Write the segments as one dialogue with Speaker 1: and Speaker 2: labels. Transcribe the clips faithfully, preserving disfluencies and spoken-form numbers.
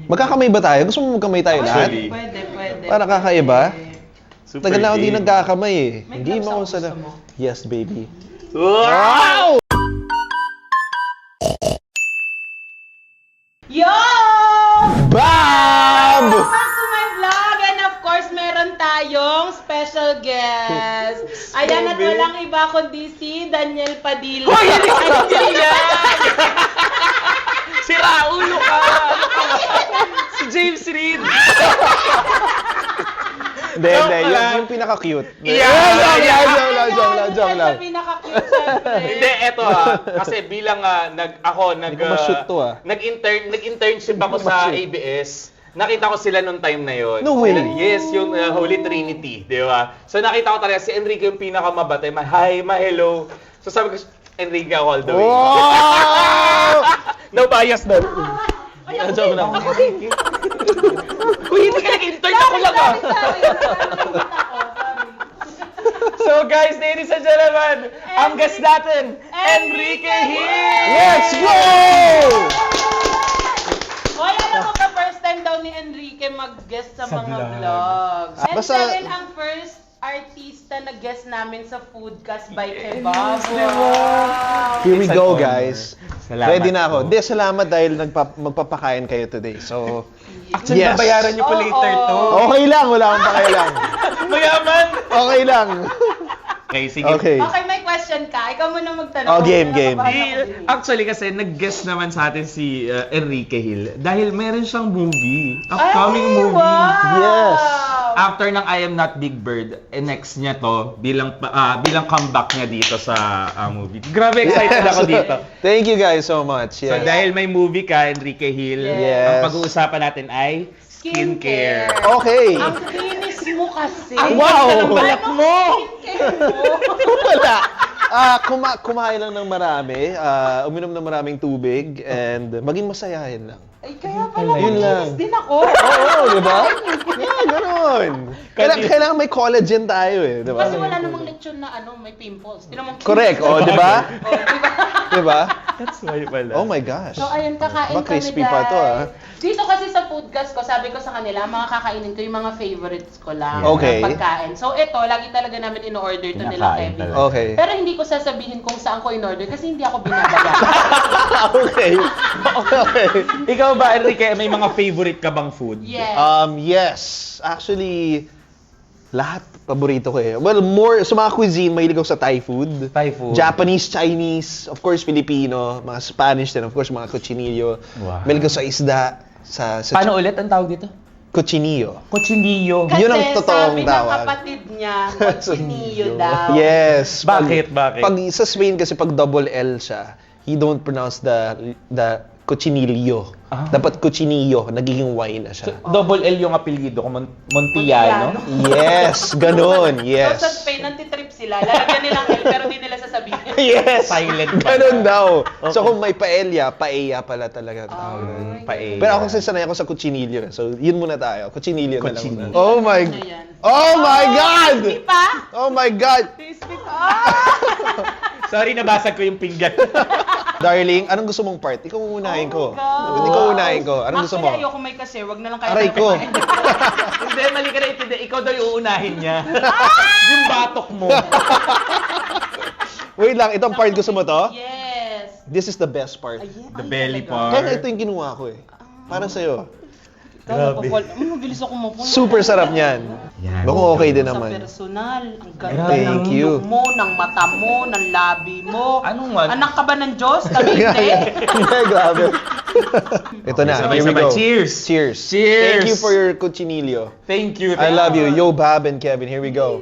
Speaker 1: Magkakamay ba tayo? Gusto mo magkamay tayo lahat?
Speaker 2: Actually.
Speaker 3: Pwede, pwede.
Speaker 1: Para kakaiba?
Speaker 2: Super
Speaker 1: Tagal na ako di
Speaker 2: game.
Speaker 1: nagkakamay eh.
Speaker 3: May
Speaker 1: Hindi
Speaker 3: gloves
Speaker 1: mo
Speaker 3: ako,
Speaker 1: ako sa...
Speaker 3: gusto mo?
Speaker 1: Yes, baby.
Speaker 2: Wow!
Speaker 3: Yo!
Speaker 1: Bam!
Speaker 3: Welcome back to my vlog! And of course, meron tayong special guest. Ayan at walang iba kundi si Daniel Padilla.
Speaker 2: Hoy, hindi ko yan! Si Raulo ka! Si James Reid!
Speaker 1: Hindi,
Speaker 2: Joke
Speaker 1: hindi. Yung,
Speaker 2: lang.
Speaker 1: yung pinaka-cute.
Speaker 2: Yeah!
Speaker 1: Joke lang, joke lang, joke lang, joke lang.
Speaker 3: Sa pinaka-cute, syempre.
Speaker 2: Hindi, eto ha. Kasi bilang ah, nag, ako, nag,
Speaker 1: Hindi ko ma-shoot to, ah.
Speaker 2: nag-intern, nag-internship ako
Speaker 1: Hindi ko
Speaker 2: sa
Speaker 1: ma-shoot.
Speaker 2: A B S. Nakita ko sila nung time na yon.
Speaker 1: No way.
Speaker 2: Sila- Yes, yung uh, Holy Trinity, di ba? So nakita ko talaga si Enrique yung pinakamabate. Ma hi, ma hello. So sabi ko, Enrique ako all the way.
Speaker 1: Wow!
Speaker 2: No bias doon.
Speaker 3: Ay, ako
Speaker 1: Joke
Speaker 3: din,
Speaker 1: lang.
Speaker 3: ako din.
Speaker 2: Uy, hindi ka nag-intern ako lang ah.
Speaker 3: Sorry, sorry, sorry. Sorry.
Speaker 2: So guys, ladies and gentlemen, ang guest natin, Enrique Hill!
Speaker 1: Let's go!
Speaker 3: Hoy, alam mo ba, first time daw ni Enrique mag-guest sa,
Speaker 2: Sa
Speaker 3: mga
Speaker 2: vlog.
Speaker 3: vlogs. And
Speaker 1: Basta-
Speaker 3: siya rin ang first artista na guest namin sa Foodcast by Kebab.
Speaker 2: di ba?
Speaker 3: Wow!
Speaker 1: Here we
Speaker 2: It's an
Speaker 1: go,
Speaker 2: honor.
Speaker 1: guys.
Speaker 2: Salamat
Speaker 1: Ready na ako.
Speaker 2: po.
Speaker 1: Hindi, salamat dahil nagpa magpapakain kayo today. So,
Speaker 2: Actually,
Speaker 1: yes.
Speaker 2: babayaran niyo po
Speaker 3: Oo.
Speaker 2: later to.
Speaker 1: Okay lang, wala akong pakialam.
Speaker 2: Mayaman!
Speaker 1: Okay lang.
Speaker 2: Okay, sige.
Speaker 1: Okay.
Speaker 3: Okay, may question ka. Ikaw muna magtanong.
Speaker 1: Oh, game, game.
Speaker 2: Di, actually kasi nag-guest naman sa atin si uh, Enrique Hill dahil meron siyang movie, upcoming
Speaker 3: Ay,
Speaker 2: movie.
Speaker 3: Wow!
Speaker 1: Yes.
Speaker 2: After ng I Am Not Big Bird, eh, next niya to bilang pa- ah, bilang comeback niya dito sa ah, movie. Grabe excited
Speaker 1: Yes.
Speaker 2: ako dito.
Speaker 1: Thank you guys so much.
Speaker 2: So
Speaker 1: Yeah.
Speaker 2: dahil may movie ka, Enrique Hill,
Speaker 1: Yes.
Speaker 2: ang pag-uusapan natin ay skincare.
Speaker 1: Okay.
Speaker 3: Ang kinis mo kasi.
Speaker 2: Ang
Speaker 1: Wow!
Speaker 2: ganda ng balat mo!
Speaker 3: Skincare mo.
Speaker 1: Wala. Ah, kuma kumain lang ng marami, ah, uminom ng maraming tubig, and maging masayahin lang.
Speaker 3: Ay, kaya pala,
Speaker 1: Yun lang.
Speaker 3: kinis din ako.
Speaker 1: Oo, di ba? Yeah, ganun. Kailangan, kailangan may collagen tayo eh, di ba?
Speaker 3: Kasi wala namang lechon na ano, may pimples. Tinan mo, kinis.
Speaker 1: Correct, oh, di ba?
Speaker 3: Oh, di ba?
Speaker 1: Di ba?
Speaker 2: That's why pala.
Speaker 1: Oh my gosh.
Speaker 3: So, ayun, kakain
Speaker 1: Ba,
Speaker 3: kami,
Speaker 1: crispy pa to, ah.
Speaker 3: Dito kasi sa Foodcast ko, sabi ko sa kanila, mga kakainin ko yung mga favorites ko lang.
Speaker 1: Okay.
Speaker 3: Na pagkain. So, ito, lagi talaga namin in-order to nila,
Speaker 2: Kinakain
Speaker 3: Kevin.
Speaker 2: talaga.
Speaker 1: Okay.
Speaker 3: Pero hindi ko sasabihin kung saan ko in-order kasi hindi ako binabayaran.
Speaker 1: Okay. Okay.
Speaker 2: Ikaw ba, Enrique, may mga favorite ka bang food?
Speaker 3: Yes.
Speaker 1: Um, yes. Actually, lahat paborito ko eh. Well, more, sa mga cuisine, mahilig ako sa Thai food.
Speaker 2: Thai food.
Speaker 1: Japanese, Chinese, of course, Filipino, mga Spanish din, of course, mga cochinillo.
Speaker 2: Wow.
Speaker 1: Mahilig ako sa isda, sa, sa
Speaker 2: Paano ulit ang tawag dito?
Speaker 1: cochinillo.
Speaker 2: Cochinillo.
Speaker 3: Kasi
Speaker 1: Yun ang totoong
Speaker 3: sabi ng
Speaker 1: tawag.
Speaker 3: kapatid niya, cochinillo daw.
Speaker 1: Yes. Pag-
Speaker 2: Bakit? Bakit?
Speaker 1: Pag sa Spain kasi pag double L siya, he don't pronounce the the cochinillo.
Speaker 2: Ah.
Speaker 1: Dapat cochinillo, nagiging Y na
Speaker 2: So,
Speaker 1: siya.
Speaker 2: double L yung apelyido ko, Mon- Montillano.
Speaker 1: Yes, ganun. Yes.
Speaker 3: So, sa Spain, nantitrip sila. Lalagyan nilang L, pero hindi nila sasabihin.
Speaker 1: Yes.
Speaker 2: Silent pa.
Speaker 1: Ganun daw. So
Speaker 2: Okay.
Speaker 1: kung may paella, paella pala talaga.
Speaker 3: Oh,
Speaker 2: Mm, paella.
Speaker 1: Pero ako kasi sanay ako sa cochinillo. So yun muna tayo. Cochinillo na lang.
Speaker 2: Cochinillo.
Speaker 1: muna. Oh my
Speaker 3: Ano yan?
Speaker 1: Oh my God!
Speaker 3: Crispy pa?
Speaker 1: Oh my God!
Speaker 3: Crispy pa? Ah!
Speaker 2: Sorry, nabasag ko yung pinggan.
Speaker 1: Darling, anong gusto mong part? Ikaw unahin ko.
Speaker 3: Oh my God.
Speaker 1: Ikaw unahin ko. Anong gusto mo?
Speaker 3: Actually, ayoko may kasi. Wag na lang kayo
Speaker 1: Aray ko.
Speaker 2: Hindi, mali ka na itindi. Ikaw daw yung uunahin niya. Yung batok mo.
Speaker 1: Wait lang, itong part gusto mo to?
Speaker 3: Yes.
Speaker 1: This is the best part.
Speaker 3: Ayan,
Speaker 2: The
Speaker 3: ay,
Speaker 2: belly
Speaker 3: talaga.
Speaker 2: part.
Speaker 1: Kaya nga ito yung kinuha ko eh. Para sa'yo.
Speaker 3: Ikaw,
Speaker 2: Grabe.
Speaker 3: mapapal- Ano, mabilis ako mapul.
Speaker 1: Super sarap niyan.
Speaker 2: Yan.
Speaker 1: Mukhang okay din
Speaker 3: Sa
Speaker 1: naman.
Speaker 3: personal, ang ganda
Speaker 1: Thank
Speaker 3: ng
Speaker 1: you.
Speaker 3: look mo, ng mata mo, ng labi mo.
Speaker 2: Anong wag?
Speaker 3: Anak ka ba ng Diyos? Kami hindi.
Speaker 1: Hindi, grabe. Ito na,
Speaker 2: Okay,
Speaker 1: here we
Speaker 2: sabay-sabay.
Speaker 1: go.
Speaker 2: Cheers.
Speaker 1: Cheers.
Speaker 2: Cheers.
Speaker 1: Thank you for your cochinillo.
Speaker 2: Thank you.
Speaker 1: I
Speaker 2: thank
Speaker 1: love you. Yo, Bab and Kevin, here we go.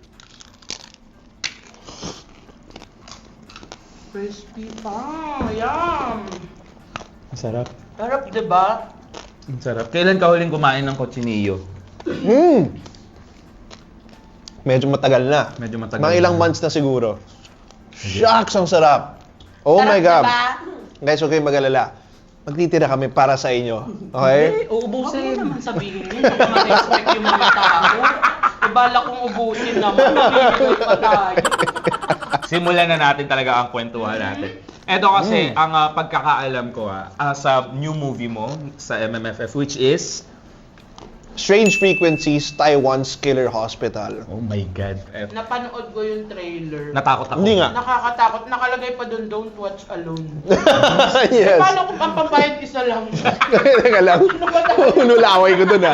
Speaker 3: Crispy pa. Yum.
Speaker 2: Ang sarap.
Speaker 3: Sarap, diba?
Speaker 2: Ang sarap. Kailan ka huling kumain ng cochinillo?
Speaker 1: Mm. Medyo matagal na.
Speaker 2: Medyo matagal
Speaker 1: Mga ilang
Speaker 2: na.
Speaker 1: months na siguro. Shucks, ang sarap. Oh
Speaker 3: Sarap,
Speaker 1: my God.
Speaker 3: diba?
Speaker 1: Guys, okay mag-alala. Magtitira kami para sa inyo. Okay?
Speaker 2: Eh,
Speaker 3: Huwag
Speaker 2: uubusin.
Speaker 3: mo naman sabihin yun. Hindi naman expect yung mga tao. Ibala kong ubusin naman. Nabibigay pa tayo.
Speaker 2: simulan na natin talaga ang kwentuhan natin. Ito kasi, ang ah, pagkakaalam ko ah, ah, sa new movie mo sa M M F F, which is...
Speaker 1: Strange Frequencies, Taiwan's Killer Hospital.
Speaker 2: Oh my God. Eh,
Speaker 3: Napanood ko yung trailer.
Speaker 2: natakot ako.
Speaker 1: Hindi nga.
Speaker 3: Nakakatakot. Nakalagay pa doon, don't watch alone.
Speaker 1: Yes.
Speaker 3: Paano kung ang pambayad isa lang?
Speaker 1: Teka lang. Nulaway ko dun ah.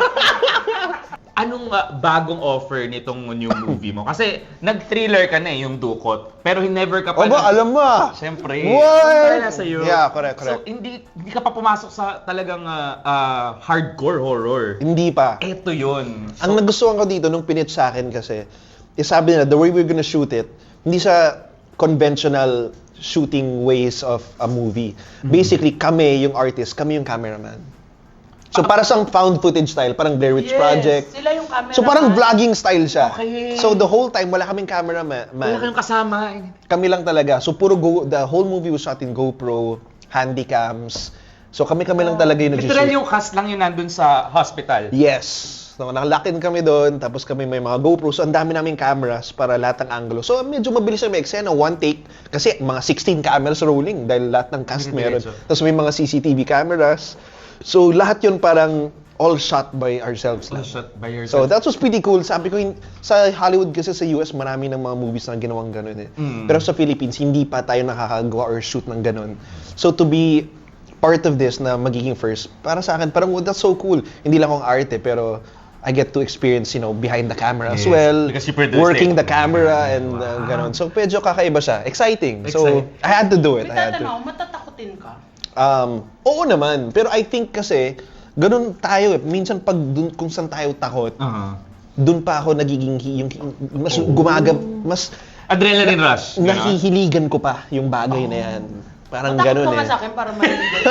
Speaker 2: Anong ah, bagong offer nitong new movie mo? Kasi nag-thriller ka na eh, yung Dukot. Pero never ka pa...
Speaker 1: Oba, alam mo ah.
Speaker 2: Siyempre.
Speaker 1: What?
Speaker 2: Wala sa'yo.
Speaker 1: Yeah, correct, correct.
Speaker 2: So, hindi, hindi ka pa pumasok sa talagang ah, ah, hardcore horror.
Speaker 1: Hindi pa.
Speaker 2: Eto yun.
Speaker 1: Ang nagustuhan ko dito nung pinitch sa akin kasi, is sabi nila, the way we're gonna shoot it, hindi sa conventional shooting ways of a movie. Basically, kami yung artist, kami yung cameraman. So para sa found footage style, parang Blair Witch
Speaker 3: Yes,
Speaker 1: Project.
Speaker 3: sila yung camera.
Speaker 1: So parang vlogging style siya.
Speaker 2: Okay.
Speaker 1: So the whole time, wala kaming cameraman.
Speaker 2: Wala kayong kasama.
Speaker 1: Kami lang talaga. So puro go, the whole movie was shot in GoPro, handycams. So kami-kami lang talaga yung
Speaker 2: Literal
Speaker 1: nag-shoot.
Speaker 2: yung cast lang yun nandun sa hospital.
Speaker 1: Yes. So, nakalakin kami doon, tapos kami may mga GoPro. So, ang dami naming cameras para lahat ng angulo. So, medyo mabilis na may eksena, one take. Kasi mga sixteen cameras rolling dahil lahat ng cast meron.
Speaker 2: Diretso.
Speaker 1: Tapos may mga C C T V cameras. So, lahat yun parang all shot by ourselves
Speaker 2: All
Speaker 1: lang.
Speaker 2: shot by
Speaker 1: So,
Speaker 2: yourself.
Speaker 1: that was pretty cool. Sabi ko, hin- sa Hollywood kasi sa U S, marami ng mga movies na ginawang ganun eh.
Speaker 2: Mm.
Speaker 1: Pero sa Philippines, hindi pa tayo nakakagawa or shoot ng ganun. So, to be part of this na magiging first, para sa akin, parang, oh, that's so cool. Hindi lang akong arte, pero I get to experience, you know, behind the camera as
Speaker 2: Yes,
Speaker 1: well.
Speaker 2: because you produced
Speaker 1: Working
Speaker 2: it.
Speaker 1: the camera and uh, ganun. So, medyo kakaiba siya. Exciting. So,
Speaker 2: Exciting.
Speaker 1: I had to do it.
Speaker 3: May
Speaker 1: I had to.
Speaker 3: tatanong, matatakotin ka?
Speaker 1: Um, oo naman. Pero I think kasi, ganun tayo eh. Minsan pag dun, kung saan tayo takot,
Speaker 2: Uh-huh.
Speaker 1: dun pa ako nagiging, hi- yung, mas
Speaker 2: Oh.
Speaker 1: gumagab, mas
Speaker 2: Adrenaline rush. you know?
Speaker 1: nahihiligan ko pa yung bagay na yan. Parang
Speaker 3: Matakot
Speaker 1: ganun
Speaker 3: ka nga
Speaker 1: eh.
Speaker 3: sa akin para marinig.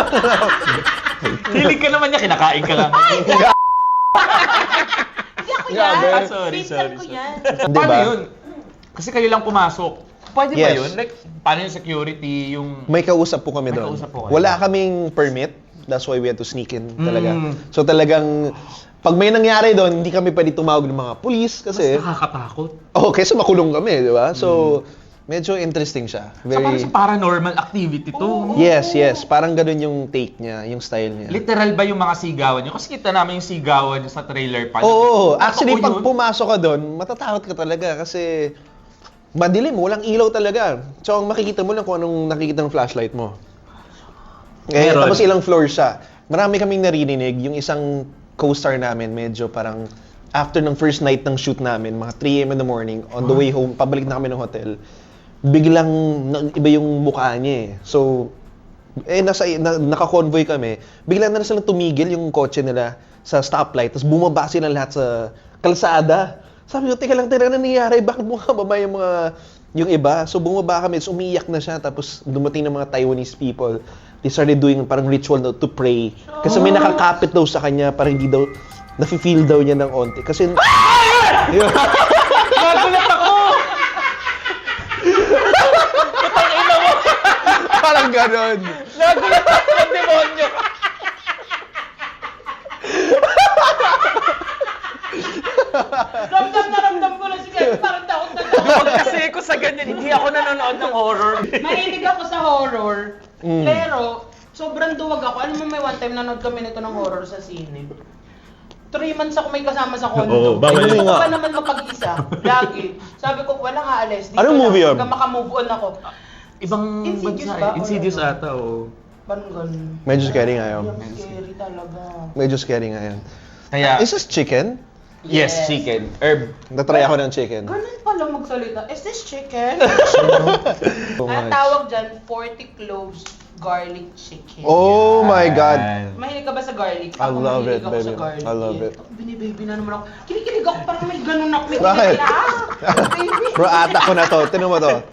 Speaker 2: Hilig ka naman niya, kinakain ka lang.
Speaker 3: Hindi ako yan.
Speaker 1: Grabe.
Speaker 2: Ah, sorry,
Speaker 3: Pinsan
Speaker 2: sorry,
Speaker 3: ko
Speaker 2: sorry.
Speaker 3: yan.
Speaker 1: Di
Speaker 2: Paano
Speaker 1: ba?
Speaker 2: yun? Kasi kayo lang pumasok. Pwede ba
Speaker 1: Yes.
Speaker 2: yun? Like, paano yung security, yung...
Speaker 1: May kausap po kami
Speaker 2: May
Speaker 1: doon.
Speaker 2: kausap po kayo.
Speaker 1: Wala kaming permit. That's why we had to sneak in talaga.
Speaker 2: Mm.
Speaker 1: So talagang, pag may nangyari doon, hindi kami pwede tumawag ng mga police
Speaker 2: Mas
Speaker 1: kasi,
Speaker 2: nakakatakot.
Speaker 1: oh, kaysa makulong kami, di ba? So, medyo interesting siya.
Speaker 2: So, parang
Speaker 1: Very,
Speaker 2: sa paranormal activity to. no?
Speaker 1: yes, yes. Parang ganun yung take niya, yung style niya.
Speaker 2: Literal ba yung mga sigawan nyo? Kasi kita namin yung sigawan nyo sa trailer pa.
Speaker 1: Oo, actually,
Speaker 2: Totoo
Speaker 1: pag
Speaker 2: yun?
Speaker 1: pumasok ka doon, matatakot ka talaga kasi madilim, walang ilaw talaga. So, ang makikita mo lang kung anong nakikita ng flashlight mo. Eh,
Speaker 2: Meron.
Speaker 1: tapos ilang floors siya. Marami kaming naririnig. Yung isang co-star namin, medyo parang after ng first night ng shoot namin, mga three a m in the morning, on the way home, pabalik na kami ng hotel, biglang nag- iba yung mukha niya eh. So, eh, nasa, na, naka-convoy kami, bigla na silang tumigil yung kotse nila sa stoplight, tapos bumaba sila lahat sa kalsada. Sabi ko, teka lang, teka lang, nangyayari, bakit bumaba yung mga, yung iba? So, bumaba kami, so umiyak na siya, tapos dumating ng mga Taiwanese people. They started doing parang ritual na to pray. Kasi may nakakapit daw sa kanya, parang hindi daw, nafe-feel daw niya ng onti. Kasi, yun.
Speaker 2: Nagulat ako!
Speaker 1: Parang ganon.
Speaker 2: Nagulat ako ng demonyo!
Speaker 3: Ramdam na ramdam ko na si Kevin, parang takot na takot.
Speaker 2: Huwag kasi ako sa ganyan, hindi ako nanonood ng horror.
Speaker 3: Mahilig ako sa horror,
Speaker 1: Mm.
Speaker 3: pero sobrang duwag ako. Alam mo, may one time nanood kami nito ng horror sa sine. Three months ako may kasama sa condo.
Speaker 2: Oo, bawal
Speaker 3: Hindi
Speaker 1: yun.
Speaker 3: ko pa naman mapag-isa. Lagi. Sabi ko, walang aalis. Dito
Speaker 1: Anong
Speaker 3: lang.
Speaker 1: movie yun?
Speaker 3: Hanggang makamove on ako.
Speaker 2: Ibang
Speaker 3: Insidious
Speaker 2: bansa
Speaker 3: ba?
Speaker 2: eh. Insidious
Speaker 3: O ano?
Speaker 2: ata, oo.
Speaker 3: Parang ganun.
Speaker 1: Medyo scary nga yun.
Speaker 3: Yung scary talaga.
Speaker 1: Medyo scary nga yan.
Speaker 2: Kaya,
Speaker 1: Is this chicken?
Speaker 2: yes, chicken. Herb.
Speaker 1: Natry ako ng chicken.
Speaker 3: Ganun pala magsalita. Is this chicken?
Speaker 1: So
Speaker 3: Ang
Speaker 1: much.
Speaker 3: tawag dyan, forty cloves garlic chicken.
Speaker 1: Oh my God.
Speaker 3: Mahilig ka ba sa garlic?
Speaker 1: I
Speaker 3: Ako
Speaker 1: love
Speaker 3: mahilig
Speaker 1: it,
Speaker 3: ako sa
Speaker 1: baby.
Speaker 3: garlic.
Speaker 1: I love
Speaker 3: Yeah.
Speaker 1: it.
Speaker 3: Ako, Binibaby na naman ako. Kinikilig ako parang may ganun ako. May
Speaker 1: Bakit?
Speaker 3: kinikilig. Ah! Baby!
Speaker 1: Bro, ata ko na to. Tinan mo to.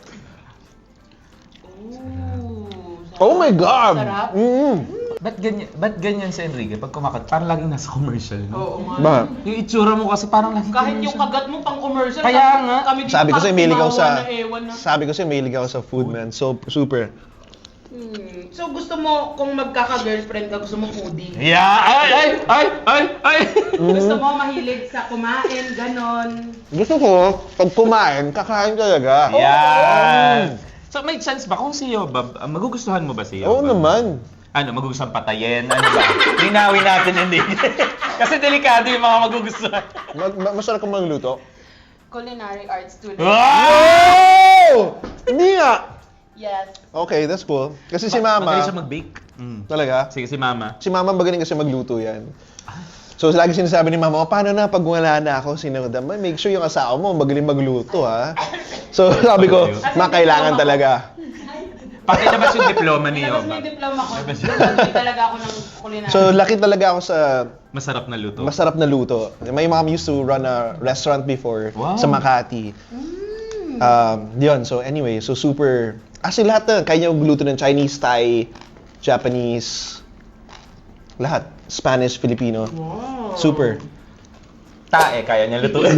Speaker 3: Ooh,
Speaker 1: Oh my God!
Speaker 3: Sarap.
Speaker 1: Mm.
Speaker 2: Ba't ganyan, ba't ganyan si Enrique? Pag kumakat, parang laging nasa commercial, no?
Speaker 3: Oo nga.
Speaker 1: Ba?
Speaker 2: Yung itsura mo kasi parang laging
Speaker 3: Kahit yung
Speaker 2: commercial.
Speaker 3: kagat mo pang commercial.
Speaker 2: Kaya
Speaker 3: kami-
Speaker 2: nga.
Speaker 3: Kami dito
Speaker 1: Sabi ko sa'yo,
Speaker 3: parang
Speaker 1: mahilig ako sa...
Speaker 3: tumawa na ewan na.
Speaker 1: Sabi ko sa'yo, mahilig ako sa food, man. So, super.
Speaker 3: Hmm. So gusto mo, kung magkaka-girlfriend ka, gusto mo foodie?
Speaker 2: Yeah! Ay! Ay! Ay! Ay! Ay!
Speaker 3: Gusto mo mahilig sa kumain, ganon?
Speaker 1: Gusto ko, pag kumain, kakain talaga.
Speaker 2: Yan! So may chance ba kung si Yobab, ah, magugustuhan mo ba si Yobab?
Speaker 1: Oo naman.
Speaker 2: Ano, magugustuhan patayin? Ano ba? Linawin natin hindi. Kasi delikado yung mga magugustuhan.
Speaker 1: Ma- ma- masarap kang magluto.
Speaker 3: Culinary arts student.
Speaker 1: Oh! Hindi nga!
Speaker 3: Yes.
Speaker 1: Okay, that's cool. Kasi si
Speaker 2: Magaling
Speaker 1: Mama,
Speaker 2: siya mag-bake. Mm.
Speaker 1: talaga,
Speaker 2: Sige, si Mama.
Speaker 1: si Mama magaling kasi magluto yan. So, lagi sinasabi ni Mama, "O, paano na pag wala na ako, sinunod mo, make sure yung asawa mo magaling magluto, ha?" So, sabi ko, Ma, kailangan talaga.
Speaker 2: Pati labas yung diploma ni
Speaker 3: Tapos
Speaker 2: Yobab.
Speaker 3: may diploma ko. Hindi talaga ako ng culinary.
Speaker 1: So, laki talaga ako sa
Speaker 2: Masarap na luto.
Speaker 1: masarap na luto. My mom used to run a restaurant before
Speaker 2: Wow.
Speaker 1: sa Makati. Um, yun, so anyway, so super... Actually, lahat na, kaya niya magluto ng Chinese, Thai, Japanese, lahat. Spanish, Filipino.
Speaker 3: Wow.
Speaker 1: Super.
Speaker 2: Tae, kaya niya lutuin.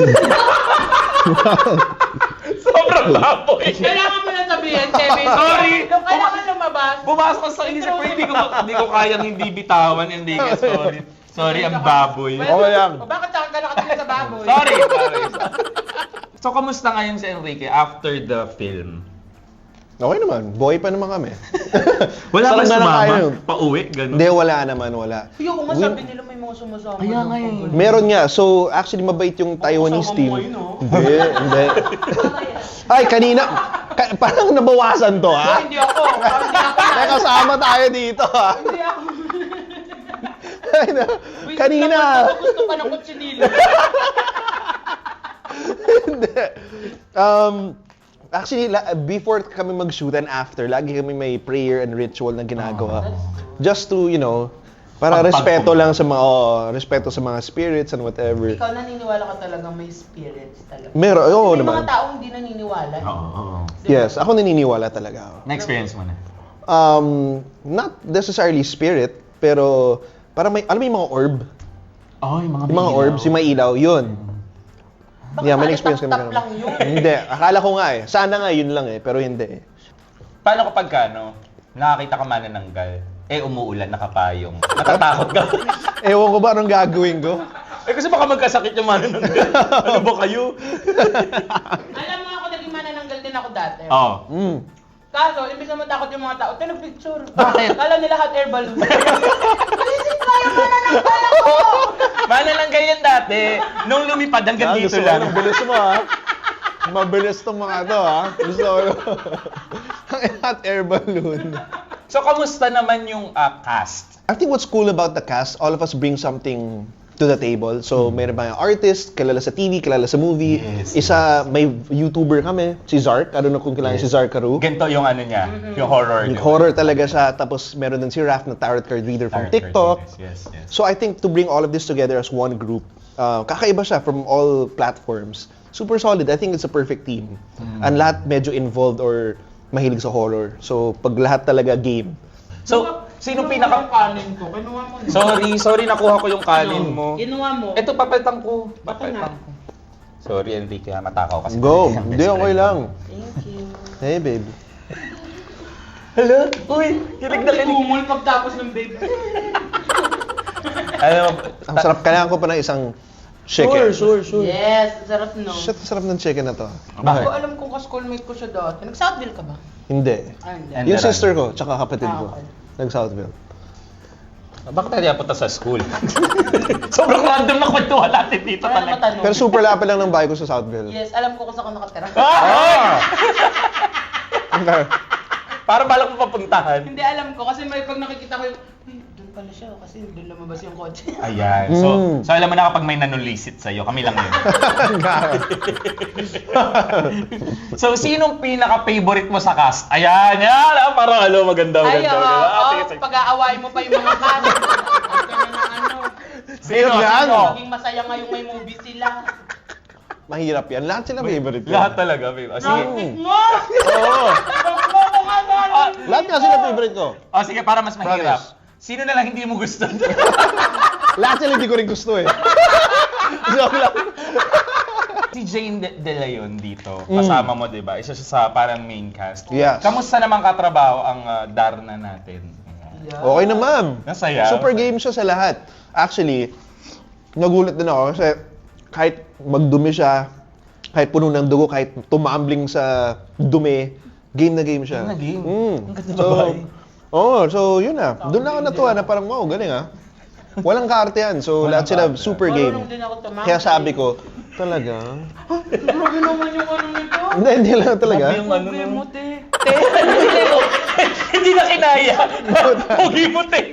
Speaker 2: Sobrang baboy.
Speaker 3: Kailangan mo na sabihin, Kevin.
Speaker 2: Sorry.
Speaker 3: Nung kailangan lumabas.
Speaker 2: Pumasok sa isip ko, hindi ko, hindi ko kayang hindi bitawan, hindi ka, sorry. Sorry, ang baboy.
Speaker 1: Okay lang.
Speaker 3: O bakit saka ka nakatingin sa baboy?
Speaker 2: Sorry, sorry. So, kamusta ngayon si Enrique after the film?
Speaker 1: Okay naman. Boy pa naman kami.
Speaker 2: Wala ba
Speaker 1: Sarap na lang
Speaker 2: sumama?
Speaker 1: tayo.
Speaker 2: Pauwi? Ganun?
Speaker 1: Hindi, wala naman, wala.
Speaker 3: Yung nga sabi nila may mga sumasama.
Speaker 2: Kaya
Speaker 3: ng
Speaker 2: nga eh.
Speaker 3: pag-
Speaker 1: Meron nga. So, actually, mabait yung Taiwanese
Speaker 3: Kasama
Speaker 1: team.
Speaker 3: mo yun, oh.
Speaker 1: Hindi, hindi. Ay, kanina, ka- parang nabawasan to,
Speaker 3: Ah,
Speaker 1: ha?
Speaker 3: hindi ako. Parang hindi ako.
Speaker 1: May kasama tayo dito, ha?
Speaker 3: Hindi ako.
Speaker 1: Ay, na-
Speaker 3: Wait,
Speaker 1: kanina.
Speaker 3: naman, gusto pa ng kutsinilo.
Speaker 1: Hindi. Um, actually, la- before kami mag-shoot and after, lagi kami may prayer and ritual na ginagawa. Just to, you know, para
Speaker 2: Pagpag-
Speaker 1: respeto lang sa mga, oh, respeto sa mga spirits and whatever.
Speaker 3: Ikaw naniniwala ka talagang may spirits talaga.
Speaker 1: Meron, oo
Speaker 3: May
Speaker 1: naman.
Speaker 3: mga taong hindi naniniwala.
Speaker 2: Oo, oo.
Speaker 1: Yes, ako naniniwala talaga ako.
Speaker 2: Na-experience mo na?
Speaker 1: Um, not necessarily spirit, pero parang may, alam mo yung mga orb?
Speaker 2: Oh, yung mga
Speaker 1: Yung mga orbs, yung may ilaw, yun.
Speaker 3: Baka
Speaker 1: Yeah, may
Speaker 3: pare
Speaker 1: experience kami.
Speaker 3: tap-tap
Speaker 1: ganun.
Speaker 3: lang yun.
Speaker 1: Hindi, akala ko nga eh. Sana nga yun lang eh, pero hindi.
Speaker 2: Paano kapag ka, no, nakakita ka manananggal, eh umuulan, nakapayong, natatakot ka?
Speaker 1: Ewan ko ba anong gagawin ko?
Speaker 2: eh kasi baka magkasakit yung manananggal. Ano ba kayo?
Speaker 3: Alam mo ako, naging manananggal din ako dati.
Speaker 2: Oo.
Speaker 1: Mm.
Speaker 3: Kaso, imbis na matakot yung mga tao, tinag-picture.
Speaker 2: Bakit?
Speaker 3: Kala nila hot air balloon. Isip ko yung manananggal ako!
Speaker 2: Manananggal yan dati. Nung lumipad, hanggang
Speaker 1: Ah,
Speaker 2: dito
Speaker 1: gusto ko
Speaker 2: lang.
Speaker 1: ng bilis mo ha. Mabilis tong mga to ha. Gusto ko. Ang hot air balloon.
Speaker 2: So, kamusta naman yung ah, cast?
Speaker 1: I think what's cool about the cast, all of us bring something to the table. So, mayroon mga artist, kilala sa T V, kilala sa movie.
Speaker 2: Yes,
Speaker 1: Isa, may YouTuber kami, si Zark. I don't know kung kilala si Zark Caru.
Speaker 2: Ganito yung ano niya, yung horror.
Speaker 1: Yung
Speaker 2: niya.
Speaker 1: horror talaga siya. Tapos meron din si Raph na tarot card reader from
Speaker 2: Tarot
Speaker 1: TikTok.
Speaker 2: card, Yes, yes.
Speaker 1: So I think to bring all of this together as one group, uh, kakaiba siya from all platforms. Super solid. I think it's a perfect team. And lahat medyo involved or mahilig sa horror. So pag lahat talaga game.
Speaker 2: So, sino
Speaker 3: Kinuha
Speaker 2: pinaka...
Speaker 3: mo yung kanin ko. Kinuha mo na.
Speaker 2: Sorry, sorry, nakuha ko yung kanin mo.
Speaker 3: Kinuha mo.
Speaker 2: Ito, papetang ko.
Speaker 3: Baka
Speaker 2: Papetang ko. Sorry, Enrique, ha, matakaw kasi.
Speaker 1: Go!
Speaker 2: Ang
Speaker 1: Hindi,
Speaker 2: best
Speaker 1: okay
Speaker 2: friend
Speaker 1: lang.
Speaker 2: mo.
Speaker 3: Thank you.
Speaker 1: Hey, babe.
Speaker 2: Hello? Uy, kilig na kilig.
Speaker 3: Tumul pagtapos ng baby.
Speaker 2: Alam mo,
Speaker 1: Ang sarap. Kailangan ko pa ng isang chicken.
Speaker 2: sure, sure.
Speaker 3: Yes, sarap no.
Speaker 1: Shit, ang sarap ng chicken na to.
Speaker 3: Hindi
Speaker 2: Bakit?
Speaker 3: ko alam kung ka-schoolmate ko siya dati. Nag-Southville ka ba?
Speaker 1: Hindi.
Speaker 3: Ah, hindi.
Speaker 2: And-
Speaker 1: Yung
Speaker 2: Meron.
Speaker 1: sister ko, tsaka kapatid
Speaker 3: Ah,
Speaker 1: ko.
Speaker 3: okay.
Speaker 1: Nag-Southville.
Speaker 2: Bakit tayo punta sa school? Sobrang random na kwentuhan natin dito
Speaker 3: Para
Speaker 2: talaga.
Speaker 3: matanong.
Speaker 1: Pero super lapit lang ng bahay ko sa Southville.
Speaker 3: Yes, alam ko kung saan ka nakatira.
Speaker 2: Ah!
Speaker 1: Okay.
Speaker 2: Para balak mo papuntahan.
Speaker 3: Hindi alam ko kasi may pag nakikita ko yung, ay, doon pala siya kasi doon lumabas yung kotse.
Speaker 2: Ayan. So,
Speaker 1: Mm.
Speaker 2: so alam mo na kapag may nanulisit sa'yo, kami lang yun. So, sinong pinaka-favorite mo sa cast? Ayan, yan. Ah, parang ano, maganda,
Speaker 3: Ay,
Speaker 2: maganda.
Speaker 3: oo,
Speaker 2: maganda. Ah,
Speaker 3: oh,
Speaker 2: sige, sige.
Speaker 3: pag-aawain mo pa yung mga kanin. Kanya na ano.
Speaker 2: Sino?
Speaker 1: yan?
Speaker 2: Sino?
Speaker 3: Maging masaya ngayong may movie sila.
Speaker 1: Mahirap yan. Lahat sila favorite ko.
Speaker 2: Lahat talaga, babe. Ah, sige.
Speaker 3: Nakit mo!
Speaker 1: Oo.
Speaker 3: Bakit mo ko nga doon?
Speaker 1: Lahat nga sila favorite ko.
Speaker 2: Oh, sige, para mas mahirap.
Speaker 1: Promise.
Speaker 2: Sino na lang hindi mo gusto?
Speaker 1: Lahat sila hindi ko rin gusto eh. Joke lang.
Speaker 2: Si Jane De, De Leon dito,
Speaker 1: Mm.
Speaker 2: kasama mo, di ba? Isa siya sa parang main cast.
Speaker 1: Yes.
Speaker 2: Kamusta naman katrabaho ang uh, Darna natin?
Speaker 1: Okay na, ma'am.
Speaker 2: Masaya.
Speaker 1: Super game siya sa lahat. Actually, nagulat din ako kasi kahit magdumi siya, kahit puno ng dugo, kahit tumambling sa dumi, game na game siya.
Speaker 2: Game na game.
Speaker 1: Mm.
Speaker 2: Ang ganda
Speaker 1: So,
Speaker 2: babae.
Speaker 1: oh, so yun na. Doon na ako natuwa na parang, wow, galing ah. Walang kaarte yan. So,
Speaker 2: Walang
Speaker 1: lahat sila
Speaker 2: kaarte.
Speaker 1: super game.
Speaker 3: Marunong din ako tumangki.
Speaker 1: Kaya sabi ko, talaga?
Speaker 3: Grabe naman yung ano nito.
Speaker 1: Hindi, hindi lang talaga.
Speaker 2: Grabe yung ano
Speaker 3: Grabe
Speaker 2: nun.
Speaker 3: mo, te.
Speaker 2: Hindi na kinaya. Pogi mo, te.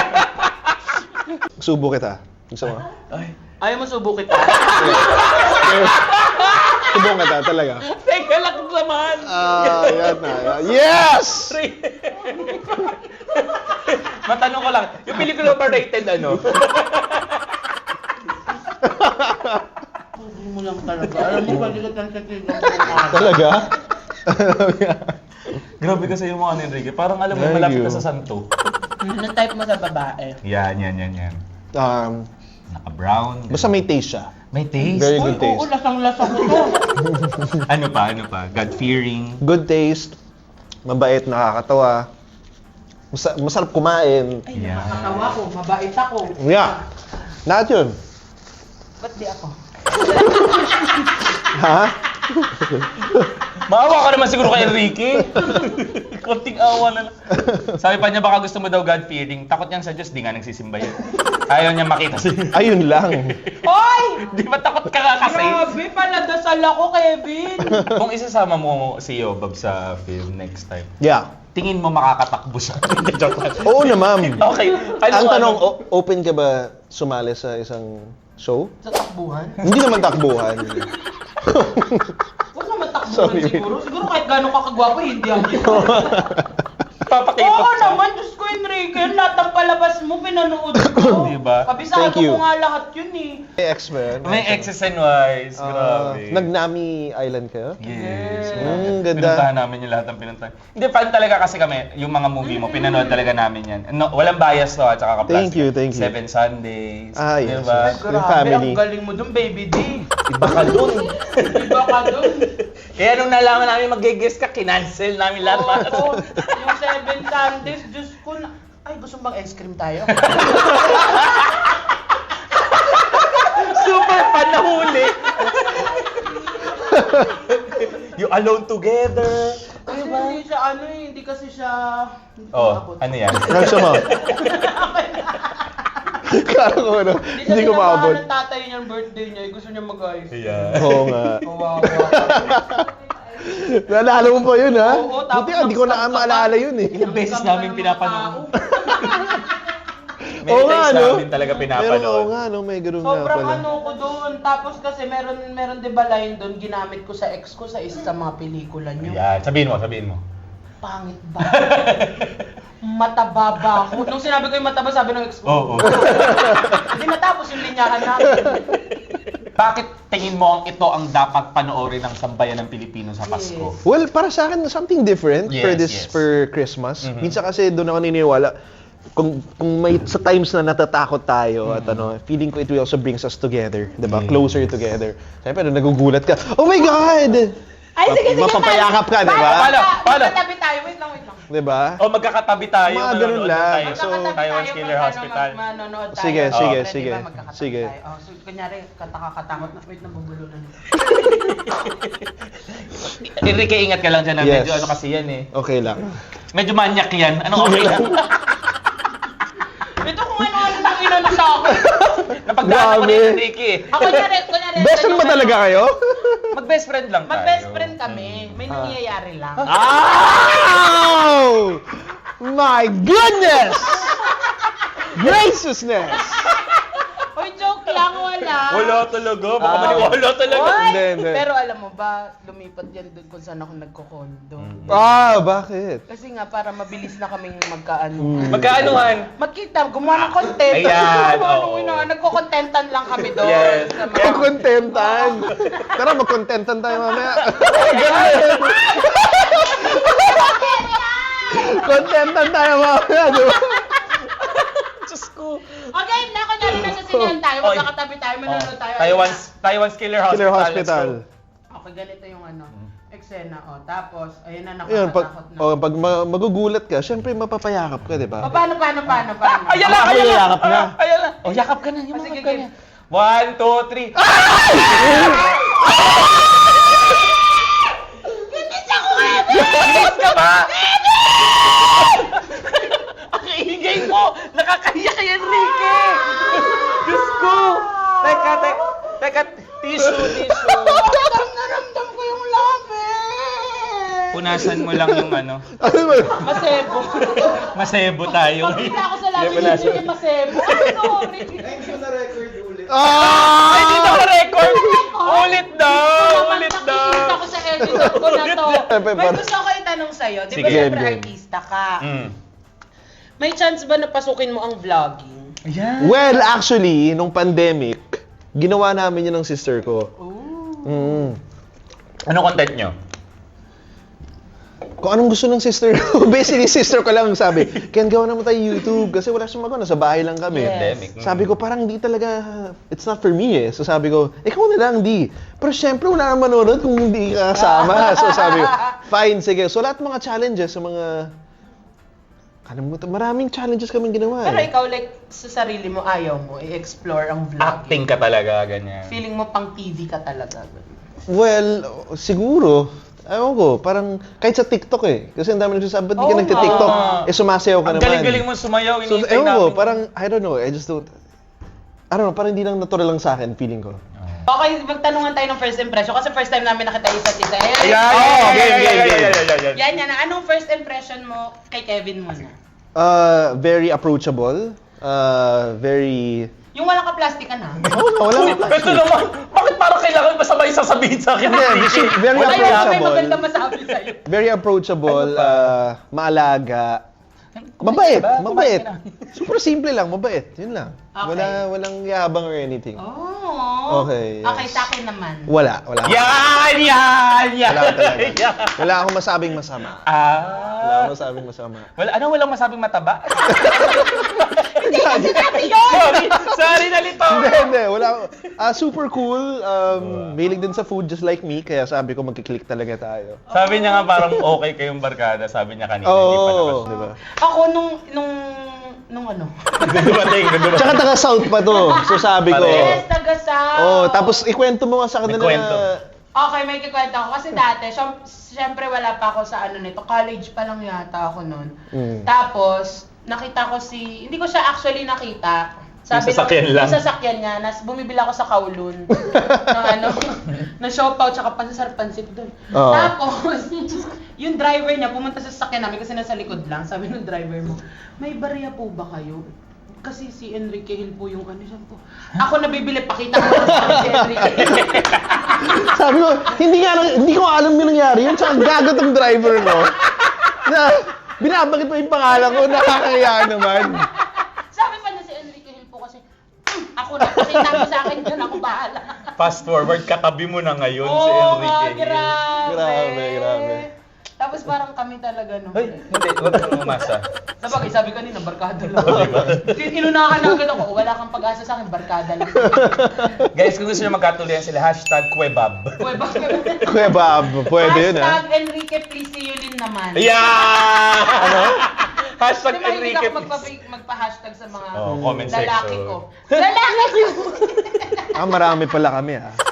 Speaker 1: Subo kita. Gusto mo?
Speaker 2: Ay.
Speaker 3: Ayaw mo subo kita.
Speaker 1: Subo kita, talaga.
Speaker 2: Teka lang naman.
Speaker 1: Ah, yan na. yan. Yes!
Speaker 2: Matanong ko lang, yung pelikula ba rated ano?
Speaker 3: Subo mo lang talaga. Alam mo, balikat ang katigang kumara.
Speaker 1: Talaga?
Speaker 2: Grabe kasi yung mga ni Enrique. Parang alam mo,
Speaker 1: Thank
Speaker 2: malapit
Speaker 1: you.
Speaker 2: na sa santo.
Speaker 3: Anong type mo sa babae?
Speaker 2: Yan, yan, yan, yan.
Speaker 1: um,
Speaker 2: Naka-brown.
Speaker 1: basta may taste siya.
Speaker 2: May taste.
Speaker 1: Very
Speaker 3: Uy,
Speaker 1: good taste.
Speaker 3: oo, lasang-lasa ko to.
Speaker 2: Ano pa, ano pa? God-fearing.
Speaker 1: Good taste. Mabait, nakakatawa. Masa- masarap kumain.
Speaker 3: Ay,
Speaker 2: Yeah.
Speaker 3: nakakatawa ko. Mabait ako.
Speaker 1: Yeah. Lahat yun.
Speaker 3: Ba't di ako?
Speaker 1: Ha?
Speaker 2: Maawa ka naman siguro kay Enrique. Konting awa na lang. Sabi pa niya baka gusto mo daw God-fearing. Takot niyan sa Diyos, di nga nagsisimba yun. Ayaw niya makita si...
Speaker 1: Ayun lang.
Speaker 3: Hoy!
Speaker 2: Di ba takot ka nga kasi?
Speaker 3: Grabe, paladasal ako, Kevin.
Speaker 2: Kung isasama mo si Yobab sa film next time,
Speaker 1: Yeah.
Speaker 2: tingin mo makakatakbo siya. Joke lang.
Speaker 1: Oo na, ma'am.
Speaker 2: Okay. Ano,
Speaker 1: Ang tanong,
Speaker 2: ano?
Speaker 1: o- open ka ba sumali sa isang show?
Speaker 3: Sa takbuhan?
Speaker 1: Hindi naman takbuhan.
Speaker 3: Huwag naman takbuhan
Speaker 1: Sorry.
Speaker 3: siguro. Siguro kahit gano'ng kakagwapo, hindi ako.
Speaker 2: Papakita
Speaker 3: Oo
Speaker 2: siya.
Speaker 3: naman, Diyos ko, Enrique. Lahat ng palabas mo, pinanood ko.
Speaker 2: Diba?
Speaker 3: Kabisado
Speaker 1: Thank you.
Speaker 3: ko nga lahat yun eh.
Speaker 1: May ex-men.
Speaker 2: May X's and Y's.
Speaker 1: Ah,
Speaker 2: Grabe.
Speaker 1: Nag-Nami Island kayo?
Speaker 2: Yes.
Speaker 1: Mm, ganda.
Speaker 2: Pinuntahan namin yung lahat ng pinuntahan. Hindi, fan talaga kasi kami, yung mga movie mo, pinanood talaga namin yan. No, walang bias to, at saka kaplastic.
Speaker 1: Thank you, thank you.
Speaker 2: Seven Sundays.
Speaker 1: Ah, yes,
Speaker 2: Diba?
Speaker 1: yes.
Speaker 3: Grabe,
Speaker 1: family.
Speaker 3: ang galing mo dun, baby D.
Speaker 2: Iba ka dun.
Speaker 3: Iba ka dun.
Speaker 2: Kaya nung nalaman namin mag-guest ka, kinancel namin lahat.
Speaker 3: Oo, yung Seven Sundays, Diyos ko na... Ay, gusto mo bang ice cream tayo?
Speaker 2: Super fan na huli. You alone together.
Speaker 3: Kasi
Speaker 2: Diba?
Speaker 3: hindi siya ano eh, hindi kasi siya... Hindi ko
Speaker 2: Oh,
Speaker 3: maabot.
Speaker 2: ano yan?
Speaker 1: Gusto mo? Kala ko ano, hindi ko maabot.
Speaker 3: Hindi ng tatay niya ang birthday niya, eh, gusto niya mag-ice.
Speaker 2: Yeah.
Speaker 1: Oo nga.
Speaker 3: Kawawa.
Speaker 1: Naalala mo pa yun, ha?
Speaker 3: Oo, tapos
Speaker 1: Buti nga, hindi ko na
Speaker 3: nag-stop ka
Speaker 1: maalala
Speaker 3: pa.
Speaker 1: yun eh.
Speaker 2: Ilang beses namin pinapanood. May
Speaker 1: Oo nga,
Speaker 2: times
Speaker 1: no?
Speaker 2: namin talaga
Speaker 1: Pero oo
Speaker 2: pinapanood.
Speaker 1: nga, no? May ganun nga
Speaker 3: Sobrang
Speaker 1: pala.
Speaker 3: ano ko doon. Tapos kasi meron meron 'di ba line doon ginamit ko sa ex ko sa isa sa mga pelikula niyo.
Speaker 2: Yan, sabihin mo, sabihin mo.
Speaker 3: Pangit ba? Mataba ba ako? Nung sinabi ko yung mataba, sabi ng ex ko.
Speaker 2: Oo.
Speaker 3: Hindi natapos yung linyahan namin.
Speaker 2: Bakit tingin mo ang ito ang dapat panoorin ng sambayan ng Pilipino sa Pasko?
Speaker 3: Yes.
Speaker 1: Well, para sa akin, something different for
Speaker 2: Yes,
Speaker 1: this,
Speaker 2: yes.
Speaker 1: for Christmas.
Speaker 2: Mhm.
Speaker 1: Minsan kasi doon ako naniniwala, kung, kung may sa times na natatakot tayo at ano, feeling ko it will also brings us together, 'di ba?
Speaker 2: Yes.
Speaker 1: Closer together. Siyempre, nagugulat ka. Oh my God!
Speaker 3: Ay, sige, sige.
Speaker 1: Mapapayakap ka, di ba?
Speaker 2: Paano? Paano?
Speaker 3: Magkatabi tayo. Wait lang, wait lang.
Speaker 1: 'Di ba?
Speaker 2: O magkakatabi tayo,
Speaker 1: Mga ganun
Speaker 2: manonood
Speaker 1: lang.
Speaker 2: tayo.
Speaker 1: So,
Speaker 3: Magkakatabi
Speaker 2: Taiwan's
Speaker 3: tayo
Speaker 2: Killer
Speaker 3: pag ano,
Speaker 2: Hospital.
Speaker 3: mag- manonood tayo.
Speaker 1: Sige,
Speaker 3: Oh,
Speaker 1: sige,
Speaker 3: pwede
Speaker 1: sige.
Speaker 3: ba? Magkakatabi
Speaker 1: Sige.
Speaker 3: tayo. Oh, so, kunyari, katakatakot na. Wait, nabubulunan.
Speaker 2: Enrique, ingat ka lang dyan. ah.
Speaker 1: Yes.
Speaker 2: Medyo ano kasi yan eh.
Speaker 1: Okay lang.
Speaker 2: Medyo manyak yan. Ano okay lang?
Speaker 3: Ito kung ano-ano nang inano sa akin.
Speaker 2: Napagdaanan ko ni
Speaker 1: Grabe.
Speaker 2: Enrique eh.
Speaker 3: Ako, kunyari, kunyari.
Speaker 1: Best friend ba
Speaker 3: kunyari,
Speaker 1: talaga kayo?
Speaker 2: Mag-best friend lang tayo.
Speaker 3: Mag-best friend kami. May nangyayari lang.
Speaker 1: Oh! My goodness! Graciousness!
Speaker 3: Hoy, joke lang, wala.
Speaker 2: Wala talaga. Baka
Speaker 1: Ah.
Speaker 2: maniwala talaga.
Speaker 3: Hoy!
Speaker 1: Hindi, hindi.
Speaker 3: Pero alam mo ba, lumipat yan doon kung saan ako nagko-condo.
Speaker 1: Ah, bakit?
Speaker 3: Kasi nga, para mabilis na kaming magkaano.
Speaker 1: Mm.
Speaker 2: Magkaanuhan?
Speaker 3: Magkita, gumawa ng content.
Speaker 2: Ayan,
Speaker 3: Ano,
Speaker 2: oo.
Speaker 3: ina, nagko-contentan lang kami doon.
Speaker 2: Yes.
Speaker 3: Sa mga-
Speaker 1: Kontentan. Tara, magkontentan tayo mamaya. Ganun. Kontentan tayo mamaya, di ba?
Speaker 2: Diyos ko.
Speaker 3: Okay, na, kunyari nasa Sinihan tayo,
Speaker 2: Oy.
Speaker 3: magkakatabi tayo,
Speaker 2: Oh,
Speaker 3: manunod tayo.
Speaker 2: Taiwan's, Taiwan's Killer Hospital.
Speaker 1: Killer
Speaker 2: let's
Speaker 1: Hospital.
Speaker 2: go.
Speaker 3: Okay, ganito yung ano, eksena, oh. Tapos, ayun na,
Speaker 1: Ayun, pag,
Speaker 3: nakakatakot na.
Speaker 1: oh, pag ma- magugulat ka, syempre mapapayakap ka, di
Speaker 3: O,
Speaker 1: ba?
Speaker 3: paano, paano, paano, paano?
Speaker 2: Ayan na,
Speaker 1: Ako
Speaker 2: ayan na.
Speaker 1: yakap na.
Speaker 2: Ah, Ayan na. Oh, yakap ka na. Yung
Speaker 3: Oh, sige,
Speaker 2: mga
Speaker 3: game.
Speaker 2: ganyan. One, two, three. Bilis ka ba? Ang ingay mo! Nakakahiya kay Enrique! Diyos ko! Teka, teka, teka, tissue, tissue.
Speaker 3: Naramdam ko yung lapis!
Speaker 2: Punasan mo lang yung ano.
Speaker 1: Ano ba?
Speaker 3: Masebo.
Speaker 2: Masebo tayo.
Speaker 3: Pagkita ako sa
Speaker 2: Hindi,
Speaker 3: lapis,
Speaker 2: punasan.
Speaker 3: hindi yung masebo. Ay, sorry.
Speaker 1: Ah!
Speaker 2: Ay, dito ka record! Ulit daw!
Speaker 3: Naman
Speaker 2: Ulit
Speaker 3: nakikita
Speaker 2: daw!
Speaker 3: ko sa editor ko na to.
Speaker 1: Siyempre,
Speaker 3: May
Speaker 1: parang-
Speaker 3: gusto ko itanong sa'yo. Di ba
Speaker 2: Sige.
Speaker 3: siyempre
Speaker 1: Game, game.
Speaker 3: artista ka?
Speaker 2: Mm.
Speaker 3: May chance ba na pasukin mo ang vlogging?
Speaker 2: Ayan.
Speaker 1: Well, actually, nung pandemic, ginawa namin yun ng sister ko.
Speaker 3: Ooh.
Speaker 1: Mm.
Speaker 2: Ano content nyo?
Speaker 1: Kung anong gusto ng sister ko. Basically, sister ko lang sabi, Ken, gawa naman tayo YouTube. Kasi wala siyang magawa, nasa bahay lang kami.
Speaker 3: Yes.
Speaker 2: Pandemic. Mm.
Speaker 1: Sabi ko, parang di talaga, it's not for me eh. So sabi ko, ikaw na lang, di. Pero syempre, wala nang manonood kung hindi ka kasama. So sabi ko, fine, sige. So lahat mga challenges, sa mga, kalimutan, maraming challenges kaming ginawa
Speaker 3: Pero
Speaker 1: eh.
Speaker 3: ikaw, like, sa sarili mo, ayaw mo i-explore ang vlogging.
Speaker 2: Acting ka talaga, ganyan.
Speaker 3: Feeling mo pang T V ka talaga.
Speaker 1: Well, siguro, ewan ko, parang kahit sa TikTok eh. Kasi ang dami nagsasabi, ba't di ka
Speaker 3: Oo
Speaker 1: nagtitiktok?
Speaker 2: nga.
Speaker 1: Eh, sumasayaw ka
Speaker 2: Ang
Speaker 1: naman.
Speaker 2: galing-galing mo sumayaw,
Speaker 1: So,
Speaker 2: iniintay
Speaker 1: ewan ko,
Speaker 2: namin.
Speaker 1: parang, I don't know, I just don't, I don't know, parang hindi lang natural lang sa akin, feeling ko.
Speaker 3: Okay, magtanungan tayo ng first impression kasi first time namin nakita yung isa't isa. Ayan,
Speaker 2: Ayan,
Speaker 1: Oh,
Speaker 2: ayan,
Speaker 1: game,
Speaker 2: ayan,
Speaker 1: game,
Speaker 2: ayan,
Speaker 1: game.
Speaker 2: ayan, ayan, ayan.
Speaker 3: yan, yan. Anong first impression mo kay Kevin muna?
Speaker 1: Uh, very approachable, uh, very,
Speaker 3: Yung walang ka-plastic ka na.
Speaker 1: oh, no, wala
Speaker 2: Uy, ito naman, bakit parang kailangan ba sabay sasabihin sa akin?
Speaker 1: Hindi, kasi very
Speaker 3: Ayaw, may
Speaker 1: approachable.
Speaker 3: maganda masabi sa'yo.
Speaker 1: Very approachable,
Speaker 2: Ano pa?
Speaker 1: uh, maalaga,
Speaker 2: Kumain
Speaker 1: mabait,
Speaker 2: ka ba?
Speaker 1: mabait.
Speaker 2: Kumain ka na.
Speaker 1: Super simple lang, mabait, yun lang.
Speaker 3: Okay.
Speaker 1: Wala, walang yabang or anything.
Speaker 3: Oh.
Speaker 1: Okay, yes.
Speaker 3: Okay, sa akin naman.
Speaker 1: Wala, wala.
Speaker 2: Yan, yan, yan.
Speaker 1: Wala talaga.
Speaker 2: Yan.
Speaker 1: Wala akong masabing masama. Wala
Speaker 2: Ah.
Speaker 1: akong masabing masama.
Speaker 2: Wala, ano, walang masabing mataba?
Speaker 3: Sinabi yun!
Speaker 2: sorry, sorry, nalito.
Speaker 1: Hindi, hindi. Wala ako. Ah, super cool. Um, mahilig din sa food just like me. Kaya sabi ko magkiklik talaga tayo.
Speaker 2: Sabi niya nga parang okay kayong barkada, sabi niya kanina. hindi pa
Speaker 1: Oo,
Speaker 2: naman.
Speaker 1: di ba?
Speaker 3: Ako nung, nung, nung ano?
Speaker 2: Dumating, dumating.
Speaker 1: Tsaka taga South pa to. So sabi ko.
Speaker 2: Pareho.
Speaker 3: Yes, taga-South.
Speaker 1: Oh, tapos ikwento mo nga sa kanila
Speaker 2: May kwento.
Speaker 1: na
Speaker 3: Okay, may kikwento ako. Kasi dati, syem- syempre wala pa ako sa ano nito. College pa lang yata ako noon.
Speaker 1: Mm.
Speaker 3: Tapos, nakita ko si... Hindi ko siya actually nakita.
Speaker 2: Yung sasakyan lang.
Speaker 3: Yung sasakyan niya. Nas, bumibili ako sa Kowloon. ng ano, ng siopaw tsaka pansasar-pansit doon.
Speaker 1: Oo.
Speaker 3: Tapos, yung driver niya pumunta sa sasakyan namin kasi nasa likod lang. Sabi ng driver mo, may barya po ba kayo? Kasi si Enrique Hill po yung ano siya po. Ako nabibili, pakita ko lang sa si Enrique Hill.
Speaker 1: sabi ko, hindi nga hindi ko alam yung nangyari yun. Tsaka gagot ang driver no. Na binabagit mo yung pangalan ko, nakakaya naman.
Speaker 3: Sabi pa niya si Enrique Hill po kasi, "Hmm, ako na, pakita mo sa akin yun, ako bahala."
Speaker 2: Fast forward, katabi mo na ngayon si
Speaker 3: Oo
Speaker 2: Enrique.
Speaker 3: nga, grabe.
Speaker 1: Grabe, grabe.
Speaker 3: Tapos parang kami talaga, no?
Speaker 2: Ay, hindi, wag kang umasa.
Speaker 3: Sabagay, sabi kanina, barkada lang.
Speaker 2: Oo, diba?
Speaker 3: Inunahan na agad ako, wala kang pag-asa sa akin, barkada lang.
Speaker 2: Guys, kung gusto nyo magkatuloyan sila, hashtag Kwebab.
Speaker 3: Uy, bakit?
Speaker 1: Kuya Bob, pwede yun ah.
Speaker 3: Hashtag Enrique, please see you Lin naman.
Speaker 2: Yeah! Ano? Hashtag
Speaker 3: Kasi mahilig
Speaker 2: Enrique.
Speaker 3: ako magpa- magpa-hashtag sa mga
Speaker 2: Oh, comment
Speaker 3: lalaki
Speaker 2: section.
Speaker 3: ko. Lalaki ko!
Speaker 1: Ah, marami pala kami ah.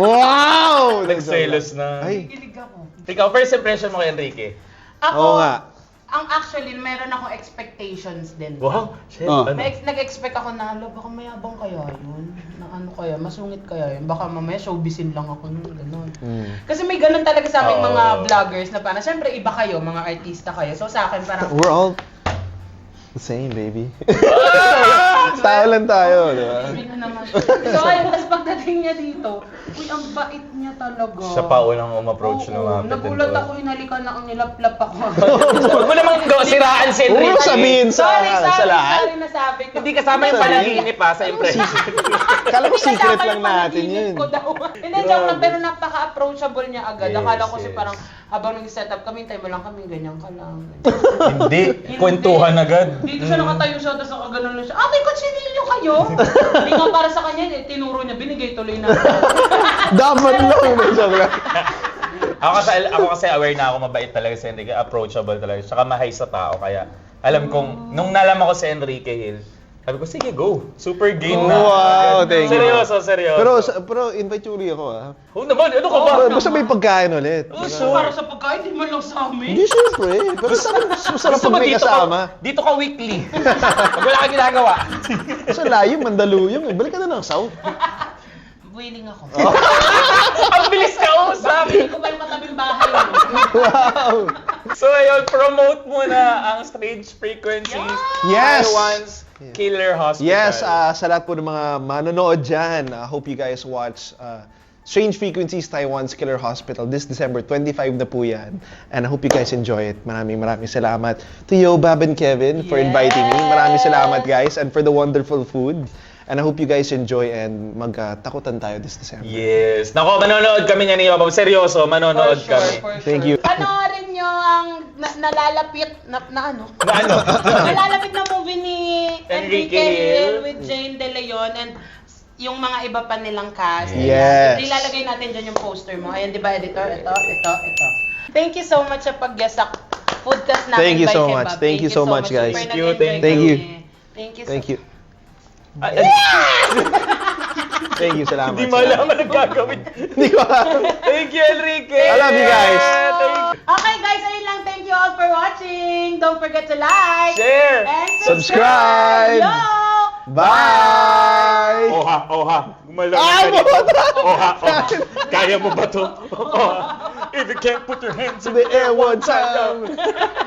Speaker 1: Wow!
Speaker 2: Nagselos na.
Speaker 1: Ay,
Speaker 3: Kilig ako.
Speaker 2: Ikaw, first impression mo kay Enrique?
Speaker 3: Ako,
Speaker 1: oo nga.
Speaker 3: ang actually, meron akong expectations din.
Speaker 2: Wow, shit.
Speaker 1: Oh.
Speaker 2: Ano?
Speaker 3: May ex- nag-expect ako na, alo, baka mayabang kaya yun? Na ano kaya, masungit kaya yun? Baka mamaya showbizin lang ako nun, gano'n.
Speaker 1: Mm.
Speaker 3: Kasi may ganun talaga sa aming
Speaker 2: Oo.
Speaker 3: mga vloggers na parang, syempre iba kayo, mga artista kayo. So sa akin parang,
Speaker 1: We're all the same, baby. Tao lang tayo, di ba?
Speaker 3: sabi na naman. So ayun, tapos pagdating niya dito, uy, ang bait niya talaga.
Speaker 2: Siya pa unang um-approach
Speaker 3: Oo,
Speaker 2: na mga
Speaker 3: nagulat ako, inalikan na ang nilaplap ako.
Speaker 2: Huwag mo namang go- siraan si
Speaker 1: Huwag mo
Speaker 2: Enrique.
Speaker 1: sabihin sa,
Speaker 3: sorry, sorry,
Speaker 1: sa lahat.
Speaker 3: sorry nasabi ko.
Speaker 2: Hindi kasama yung
Speaker 1: Sorry.
Speaker 2: panaginip pa sa impression.
Speaker 1: Kala ko
Speaker 3: Hindi
Speaker 1: secret
Speaker 3: kasama
Speaker 1: lang
Speaker 3: yung
Speaker 1: natin
Speaker 3: panaginip
Speaker 1: yun.
Speaker 3: ko daw. Hindi, joke lang, pero napaka-approachable niya agad.
Speaker 2: Yes,
Speaker 3: Akala ko si
Speaker 2: yes.
Speaker 3: parang, habang nag-set up kami, tayo mo lang kami, ganyan ka lang.
Speaker 2: Hindi, kwentuhan agad.
Speaker 3: Dito siya nakatayo siya, tapos nakaganon lang siya, ah, may kutsilyo kayo? Hindi nga para sa kanya, eh, tinuro niya, binigay tuloy na.
Speaker 1: Dapat lang. Joke lang.
Speaker 2: Ako kasi, ako kasi aware na ako, mabait talaga si Enrique, approachable talaga, tsaka mahay sa tao, kaya alam kong, nung nalaman ko si Enrique Hill, sabi ko, sige, go. Super game na.
Speaker 1: Oh, wow, thank you.
Speaker 2: Seryoso, seryoso.
Speaker 1: Pero, sa- pero invite you uli ako ah.
Speaker 2: Oo naman, ano ka ba?
Speaker 1: Basta- Basta may pagkain ulit.
Speaker 2: Oh,
Speaker 3: So, para sa pagkain, di man lang sa amin.
Speaker 1: Hindi syempre. Pero sarap, masarap
Speaker 2: Gusto
Speaker 1: pag
Speaker 2: mo
Speaker 1: may
Speaker 2: dito
Speaker 1: kasama.
Speaker 2: Ka, dito ka weekly. Pag wala ka ginagawa.
Speaker 1: Sa layo, Mandaluyong eh. Balik ka na ng South.
Speaker 3: Willing ako.
Speaker 2: Ang bilis ka usap.
Speaker 3: Hindi ko ba yung katabing bahay mo?
Speaker 1: Wow!
Speaker 2: So ayun, promote mo na ang Strange Frequencies.
Speaker 1: Yes!
Speaker 2: Taiwan's Killer Hospital.
Speaker 1: Yes, ah, sa lahat po ng mga manonood dyan, I hope you guys watch uh, Strange Frequencies Taiwan's Killer Hospital this December twenty-fifth na po yan. And I hope you guys enjoy it. Maraming maraming salamat to Yo, Bab, and Kevin for inviting me. Maraming salamat guys and for the wonderful food. And I hope you guys enjoy and magtakutan tayo this December.
Speaker 2: Yes. Nako, manonood kami niya ni Papa. Seryoso, manonood
Speaker 3: For sure,
Speaker 2: kami.
Speaker 3: for sure.
Speaker 1: Thank you.
Speaker 3: Panoorin nyo ang na, nalalapit na, na ano?
Speaker 2: Na ano?
Speaker 3: nalalapit na movie ni
Speaker 2: Enrique
Speaker 3: Enrique Hill
Speaker 2: Hill.
Speaker 3: with Jane De Leon and yung mga iba pa nilang cast.
Speaker 1: Yes.
Speaker 3: Ayan. Ilalagay natin dyan yung poster mo. Ayan, di ba, editor? Ito, ito, ito. Thank you so much sa pag-guest sa podcast natin
Speaker 1: Thank you
Speaker 3: by
Speaker 1: so
Speaker 3: Kebab.
Speaker 1: much. Thank you so much, guys.
Speaker 3: Super
Speaker 2: Thank you,
Speaker 3: nag-enjoy
Speaker 1: thank you.
Speaker 3: kami. Thank you so
Speaker 1: Thank you.
Speaker 2: Ah,
Speaker 1: Thank you, salamat.
Speaker 2: Hindi mo alam ang gagawin.
Speaker 1: Hindi ko alam.
Speaker 2: Thank you, Enrique.
Speaker 1: I love you guys.
Speaker 2: Thank you.
Speaker 3: Okay guys, ayun lang. Thank you all for watching. Don't forget to like,
Speaker 2: Share.
Speaker 3: and
Speaker 1: Subscribe.
Speaker 3: subscribe. Yo!
Speaker 1: Bye!
Speaker 2: Oha, oha. Gumalaw
Speaker 1: Ah,
Speaker 2: na ganito.
Speaker 1: buta!
Speaker 2: Oha, oha. Kaya mo ba to? Oha. If you can't put your hands in
Speaker 1: The air one time.